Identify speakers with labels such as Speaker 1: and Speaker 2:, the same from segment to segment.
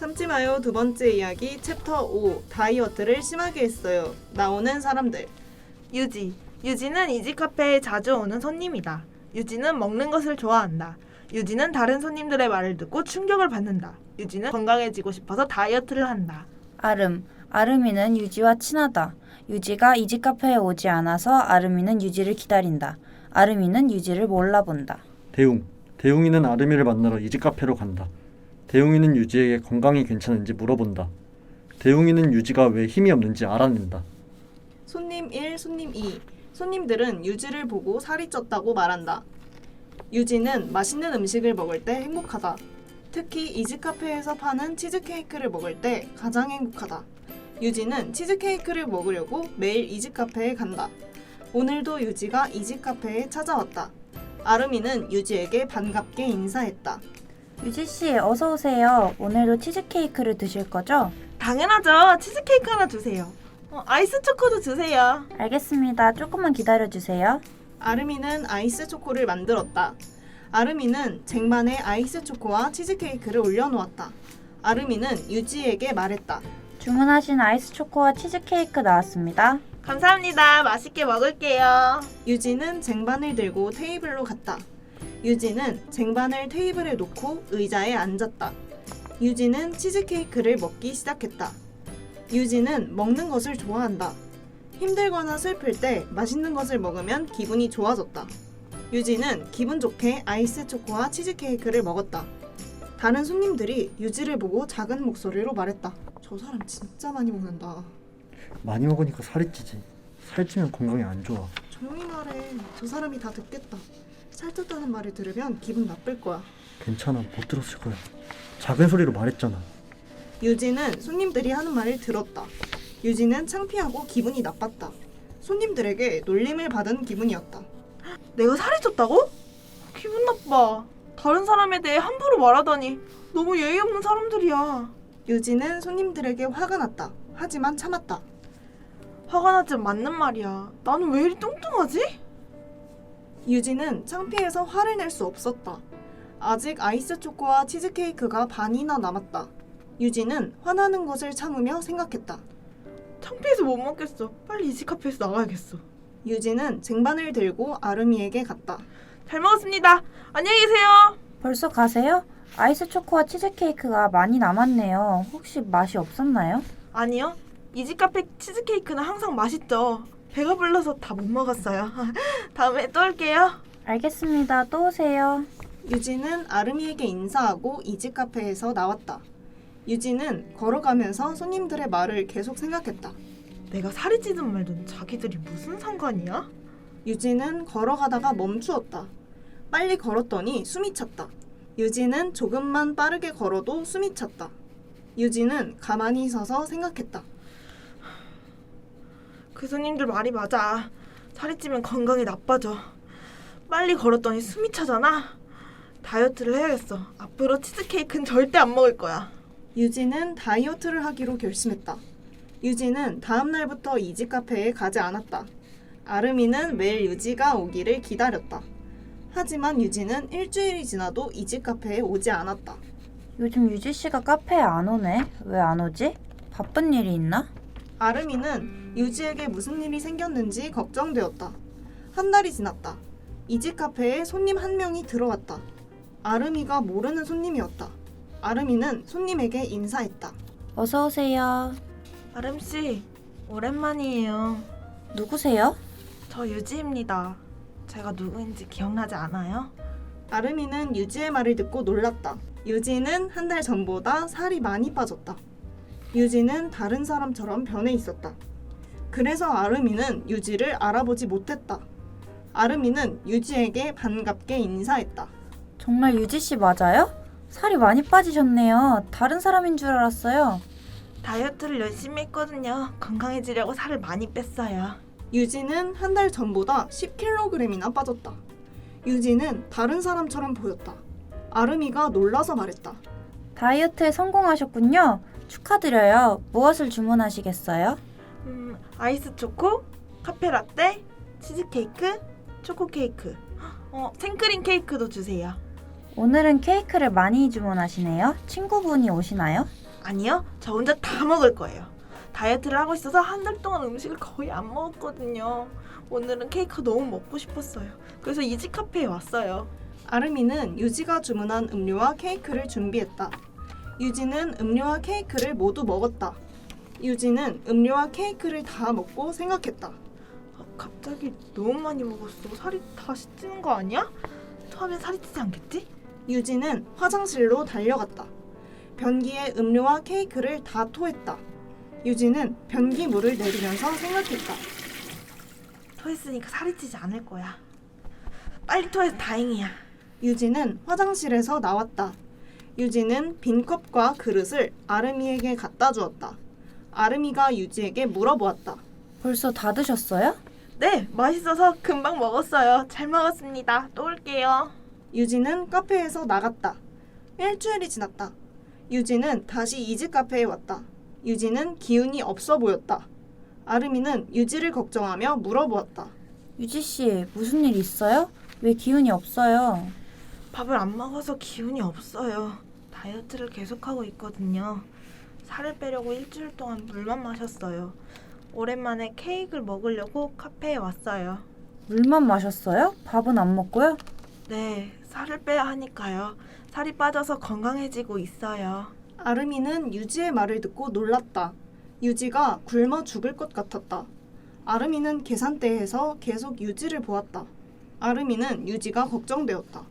Speaker 1: 참지 마요 두 번째 이야기 챕터 5 다이어트를 심하게 했어요. 나오는 사람들.
Speaker 2: 유지. 유지는 이지 카페에 자주 오는 손님이다. 유지는 먹는 것을 좋아한다. 유지는 다른 손님들의 말을 듣고 충격을 받는다. 유지는 건강해지고 싶어서 다이어트를 한다.
Speaker 3: 아름. 아름이는 유지와 친하다. 유지가 이지 카페에 오지 않아서 아름이는 유지를 기다린다. 아름이는 유지를 몰라본다.
Speaker 4: 대웅. 대웅이는 아름이를 만나러 이지 카페로 간다. 대웅이는 유지에게 건강이 괜찮은지 물어본다. 대웅이는 유지가 왜 힘이 없는지 알아낸다.
Speaker 1: 손님 1, 손님 2. 손님들은 유지를 보고 살이 쪘다고 말한다. 유지는 맛있는 음식을 먹을 때 행복하다. 특히 이지 카페에서 파는 치즈케이크를 먹을 때 가장 행복하다. 유지는 치즈케이크를 먹으려고 매일 이지 카페에 간다. 오늘도 유지가 이지 카페에 찾아왔다. 아름이는 유지에게 반갑게 인사했다.
Speaker 3: 유지씨, 어서 오세요. 오늘도 치즈케이크를 드실 거죠?
Speaker 2: 당연하죠. 치즈케이크 하나 주세요. 아이스 초코도 주세요.
Speaker 3: 알겠습니다. 조금만 기다려주세요.
Speaker 1: 아름이는 아이스 초코를 만들었다. 아름이는 쟁반에 아이스 초코와 치즈케이크를 올려놓았다. 아름이는 유지에게 말했다.
Speaker 3: 주문하신 아이스 초코와 치즈케이크 나왔습니다.
Speaker 2: 감사합니다. 맛있게 먹을게요.
Speaker 1: 유지는 쟁반을 들고 테이블로 갔다. 유지는 쟁반을 테이블에 놓고 의자에 앉았다. 유지는 치즈케이크를 먹기 시작했다. 유지는 먹는 것을 좋아한다. 힘들거나 슬플 때 맛있는 것을 먹으면 기분이 좋아졌다. 유지는 기분 좋게 아이스 초코와 치즈케이크를 먹었다. 다른 손님들이 유지를 보고 작은 목소리로 말했다. 저 사람 진짜 많이 먹는다.
Speaker 4: 많이 먹으니까 살이 찌지. 살찌면 건강에 안 좋아.
Speaker 1: 조용히 말해. 저 사람이 다 듣겠다. 살쪘다는 말을 들으면 기분 나쁠 거야.
Speaker 4: 괜찮아, 못 들었을 거야. 작은 소리로 말했잖아.
Speaker 1: 유지는 손님들이 하는 말을 들었다. 유지는 창피하고 기분이 나빴다. 손님들에게 놀림을 받은 기분이었다.
Speaker 2: 내가 살이 쪘다고? 기분 나빠. 다른 사람에 대해 함부로 말하다니 너무 예의 없는 사람들이야.
Speaker 1: 유지는 손님들에게 화가 났다. 하지만 참았다.
Speaker 2: 화가 나지만 맞는 말이야. 나는 왜 이리 뚱뚱하지?
Speaker 1: 유지는 창피해서 화를 낼 수 없었다. 아직 아이스 초코와 치즈케이크가 반이나 남았다. 유지는 화나는 것을 참으며 생각했다.
Speaker 2: 창피해서 못 먹겠어. 빨리 이지 카페에서 나가야겠어.
Speaker 1: 유지는 쟁반을 들고 아름이에게 갔다.
Speaker 2: 잘 먹었습니다. 안녕히 계세요.
Speaker 3: 벌써 가세요? 아이스 초코와 치즈케이크가 많이 남았네요. 혹시 맛이 없었나요?
Speaker 2: 아니요. 이지 카페 치즈케이크는 항상 맛있죠. 배가 불러서 다 못 먹었어요. 다음에 또 올게요.
Speaker 3: 알겠습니다. 또 오세요.
Speaker 1: 유지는 아름이에게 인사하고 이지 카페에서 나왔다. 유지는 걸어가면서 손님들의 말을 계속 생각했다.
Speaker 2: 내가 살이 찌든 말든 자기들이 무슨 상관이야?
Speaker 1: 유지는 걸어가다가 멈추었다. 빨리 걸었더니 숨이 찼다. 유지는 조금만 빠르게 걸어도 숨이 찼다. 유지는 가만히 서서 생각했다.
Speaker 2: 그 손님들 말이 맞아. 살이 찌면 건강이 나빠져. 빨리 걸었더니 숨이 차잖아. 다이어트를 해야겠어. 앞으로 치즈케이크는 절대 안 먹을 거야.
Speaker 1: 유지는 다이어트를 하기로 결심했다. 유지는 다음 날부터 이지 카페에 가지 않았다. 아름이는 매일 유지가 오기를 기다렸다. 하지만 유지는 일주일이 지나도 이지 카페에 오지 않았다.
Speaker 3: 요즘 유지씨가 카페에 안 오네. 왜 안 오지? 바쁜 일이 있나?
Speaker 1: 아름이는 유지에게 무슨 일이 생겼는지 걱정되었다. 한 달이 지났다. 이지 카페에 손님 한 명이 들어왔다. 아름이가 모르는 손님이었다. 아름이는 손님에게 인사했다.
Speaker 3: 어서 오세요.
Speaker 2: 아름씨, 오랜만이에요.
Speaker 3: 누구세요?
Speaker 2: 저 유지입니다. 제가 누구인지 기억나지 않아요?
Speaker 1: 아름이는 유지의 말을 듣고 놀랐다. 유지는 한 달 전보다 살이 많이 빠졌다. 유지는 다른 사람처럼 변해 있었다. 그래서 아름이는 유지를 알아보지 못했다. 아름이는 유지에게 반갑게 인사했다.
Speaker 3: 정말 유지씨 맞아요? 살이 많이 빠지셨네요. 다른 사람인 줄 알았어요.
Speaker 2: 다이어트를 열심히 했거든요. 건강해지려고 살을 많이 뺐어요.
Speaker 1: 유지는 한 달 전보다 10kg이나 빠졌다. 유지는 다른 사람처럼 보였다. 아름이가 놀라서 말했다.
Speaker 3: 다이어트에 성공하셨군요. 축하드려요. 무엇을 주문하시겠어요?
Speaker 2: 아이스 초코, 카페라떼, 치즈케이크, 초코케이크. 생크림 케이크도 주세요.
Speaker 3: 오늘은 케이크를 많이 주문하시네요. 친구분이 오시나요?
Speaker 2: 아니요, 저 혼자 다 먹을 거예요. 다이어트를 하고 있어서 한 달 동안 음식을 거의 안 먹었거든요. 오늘은 케이크가 너무 먹고 싶었어요. 그래서 이지 카페에 왔어요.
Speaker 1: 아름이는 유지가 주문한 음료와 케이크를 준비했다. 유지는 음료와 케이크를 모두 먹었다. 유지는 음료와 케이크를 다 먹고 생각했다.
Speaker 2: 갑자기 너무 많이 먹었어. 살이 다시 찌는 거 아니야? 토하면 살이 찌지 않겠지?
Speaker 1: 유지는 화장실로 달려갔다. 변기에 음료와 케이크를 다 토했다. 유지는 변기물을 내리면서 생각했다.
Speaker 2: 토했으니까 살이 찌지 않을 거야. 빨리 토해서 다행이야.
Speaker 1: 유지는 화장실에서 나왔다. 유지는 빈 컵과 그릇을 아름이에게 갖다 주었다. 아름이가 유지에게 물어보았다.
Speaker 3: 벌써 다 드셨어요?
Speaker 2: 네, 맛있어서 금방 먹었어요. 잘 먹었습니다. 또 올게요.
Speaker 1: 유지는 카페에서 나갔다. 일주일이 지났다. 유지는 다시 이지 카페에 왔다. 유지는 기운이 없어 보였다. 아름이는 유지를 걱정하며 물어보았다.
Speaker 3: 유지씨, 무슨 일 있어요? 왜 기운이 없어요?
Speaker 2: 밥을 안 먹어서 기운이 없어요. 다이어트를 계속하고 있거든요. 살을 빼려고 일주일 동안 물만 마셨어요. 오랜만에 케이크를 먹으려고 카페에 왔어요.
Speaker 3: 물만 마셨어요? 밥은 안 먹고요?
Speaker 2: 네, 살을 빼야 하니까요. 살이 빠져서 건강해지고 있어요.
Speaker 1: 아름이는 유지의 말을 듣고 놀랐다. 유지가 굶어 죽을 것 같았다. 아름이는 계산대에서 계속 유지를 보았다. 아름이는 유지가 걱정되었다.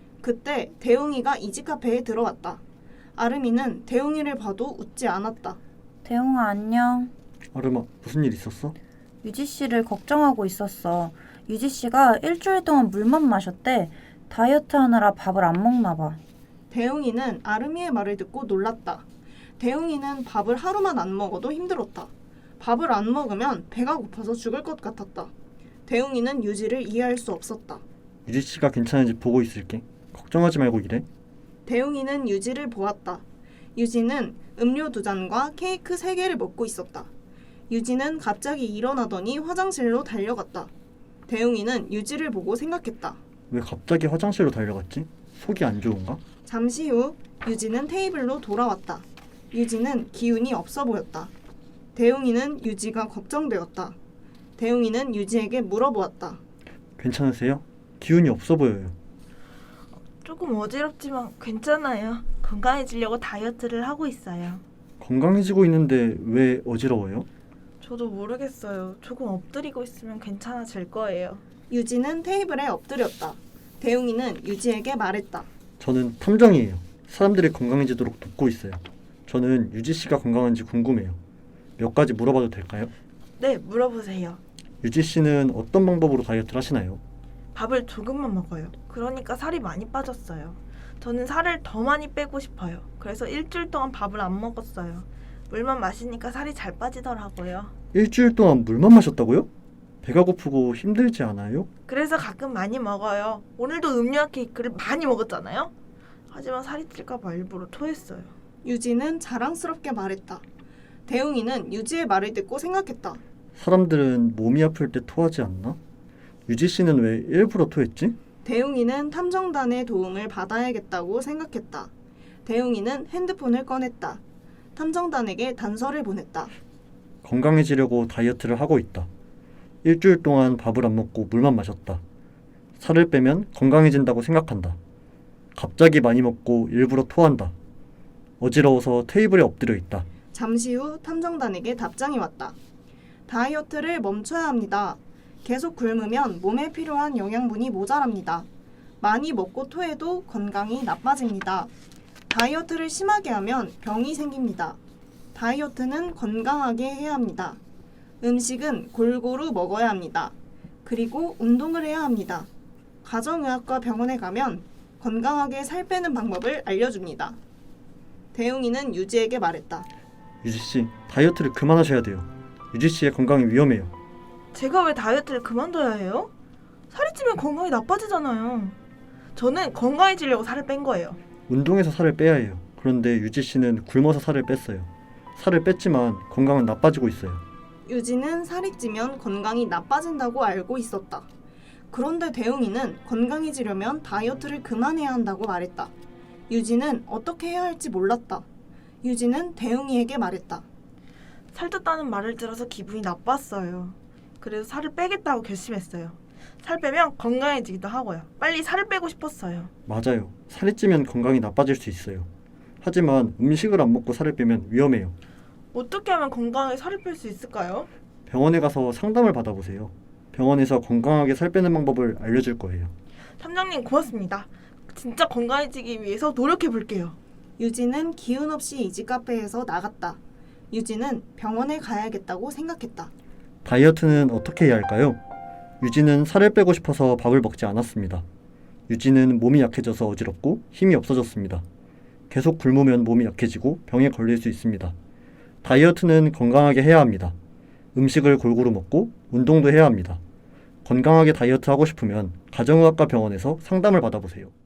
Speaker 1: 그때 대웅이가 이지 카페에 들어왔다. 아름이는 대웅이를 봐도 웃지 않았다.
Speaker 3: 대웅아, 안녕.
Speaker 4: 아름아, 무슨 일 있었어?
Speaker 3: 유지씨를 걱정하고 있었어. 유지씨가 일주일 동안 물만 마셨대. 다이어트 하느라 밥을 안 먹나 봐.
Speaker 1: 대웅이는 아름이의 말을 듣고 놀랐다. 대웅이는 밥을 하루만 안 먹어도 힘들었다. 밥을 안 먹으면 배가 고파서 죽을 것 같았다. 대웅이는 유지를 이해할 수 없었다.
Speaker 4: 유지 씨가 괜찮은지 보고 있을게. 걱정하지 말고 일해.
Speaker 1: 대웅이는 유지를 보았다. 유지는 음료 2잔과 케이크 3개를 먹고 있었다. 유지는 갑자기 일어나더니 화장실로 달려갔다. 대웅이는 유지를 보고 생각했다.
Speaker 4: 왜 갑자기 화장실로 달려갔지? 속이 안 좋은가?
Speaker 1: 잠시 후 유지는 테이블로 돌아왔다. 유지는 기운이 없어 보였다. 대웅이는 유지가 걱정되었다. 대웅이는 유지에게 물어보았다.
Speaker 4: 괜찮으세요? 기운이 없어 보여요.
Speaker 2: 조금 어지럽지만 괜찮아요. 건강해지려고 다이어트를 하고 있어요.
Speaker 4: 건강해지고 있는데 왜 어지러워요?
Speaker 2: 저도 모르겠어요. 조금 엎드리고 있으면 괜찮아질 거예요.
Speaker 1: 유지는 테이블에 엎드렸다. 대웅이는 유지에게 말했다.
Speaker 4: 저는 탐정이에요. 사람들이 건강해지도록 돕고 있어요. 저는 유지 씨가 건강한지 궁금해요. 몇 가지 물어봐도 될까요?
Speaker 2: 네, 물어보세요.
Speaker 4: 유지 씨는 어떤 방법으로 다이어트를 하시나요?
Speaker 2: 밥을 조금만 먹어요. 그러니까 살이 많이 빠졌어요. 저는 살을 더 많이 빼고 싶어요. 그래서 일주일 동안 밥을 안 먹었어요. 물만 마시니까 살이 잘 빠지더라고요.
Speaker 4: 일주일 동안 물만 마셨다고요? 배가 고프고 힘들지 않아요?
Speaker 2: 그래서 가끔 많이 먹어요. 오늘도 음료와 케이크를 많이 먹었잖아요. 하지만 살이 찔까 봐 일부러 토했어요.
Speaker 1: 유지는 자랑스럽게 말했다. 대웅이는 유지의 말을 듣고 생각했다.
Speaker 4: 사람들은 몸이 아플 때 토하지 않나? 유지 씨는 왜 일부러 토했지?
Speaker 1: 대웅이는 탐정단의 도움을 받아야겠다고 생각했다. 대웅이는 핸드폰을 꺼냈다. 탐정단에게 단서를 보냈다.
Speaker 4: 건강해지려고 다이어트를 하고 있다. 일주일 동안 밥을 안 먹고 물만 마셨다. 살을 빼면 건강해진다고 생각한다. 갑자기 많이 먹고 일부러 토한다. 어지러워서 테이블에 엎드려 있다.
Speaker 1: 잠시 후 탐정단에게 답장이 왔다. 다이어트를 멈춰야 합니다. 계속 굶으면 몸에 필요한 영양분이 모자랍니다. 많이 먹고 토해도 건강이 나빠집니다. 다이어트를 심하게 하면 병이 생깁니다. 다이어트는 건강하게 해야 합니다. 음식은 골고루 먹어야 합니다. 그리고 운동을 해야 합니다. 가정의학과 병원에 가면 건강하게 살 빼는 방법을 알려줍니다. 대웅이는 유지에게 말했다.
Speaker 4: 유지 씨, 다이어트를 그만하셔야 돼요. 유지 씨의 건강이 위험해요.
Speaker 2: 제가 왜 다이어트를 그만둬야 해요? 살이 찌면 건강이 나빠지잖아요. 저는 건강해지려고 살을 뺀 거예요.
Speaker 4: 운동해서 살을 빼야 해요. 그런데 유지 씨는 굶어서 살을 뺐어요. 살을 뺐지만 건강은 나빠지고 있어요.
Speaker 1: 유지는 살이 찌면 건강이 나빠진다고 알고 있었다. 그런데 대웅이는 건강해지려면 다이어트를 그만해야 한다고 말했다. 유지는 어떻게 해야 할지 몰랐다. 유진은 대웅이에게 말했다.
Speaker 2: 살쪘다는 말을 들어서 기분이 나빴어요. 그래서 살을 빼겠다고 결심했어요. 살 빼면 건강해지기도 하고요. 빨리 살을 빼고 싶었어요.
Speaker 4: 맞아요. 살이 찌면 건강이 나빠질 수 있어요. 하지만 음식을 안 먹고 살을 빼면 위험해요.
Speaker 2: 어떻게 하면 건강하게 살을 뺄 수 있을까요?
Speaker 4: 병원에 가서 상담을 받아보세요. 병원에서 건강하게 살 빼는 방법을 알려줄 거예요.
Speaker 2: 탐정님 고맙습니다. 진짜 건강해지기 위해서 노력해 볼게요.
Speaker 1: 유진은 기운 없이 이지 카페에서 나갔다. 유진은 병원에 가야겠다고 생각했다.
Speaker 4: 다이어트는 어떻게 해야 할까요? 유진은 살을 빼고 싶어서 밥을 먹지 않았습니다. 유진은 몸이 약해져서 어지럽고 힘이 없어졌습니다. 계속 굶으면 몸이 약해지고 병에 걸릴 수 있습니다. 다이어트는 건강하게 해야 합니다. 음식을 골고루 먹고 운동도 해야 합니다. 건강하게 다이어트 하고 싶으면 가정의학과 병원에서 상담을 받아보세요.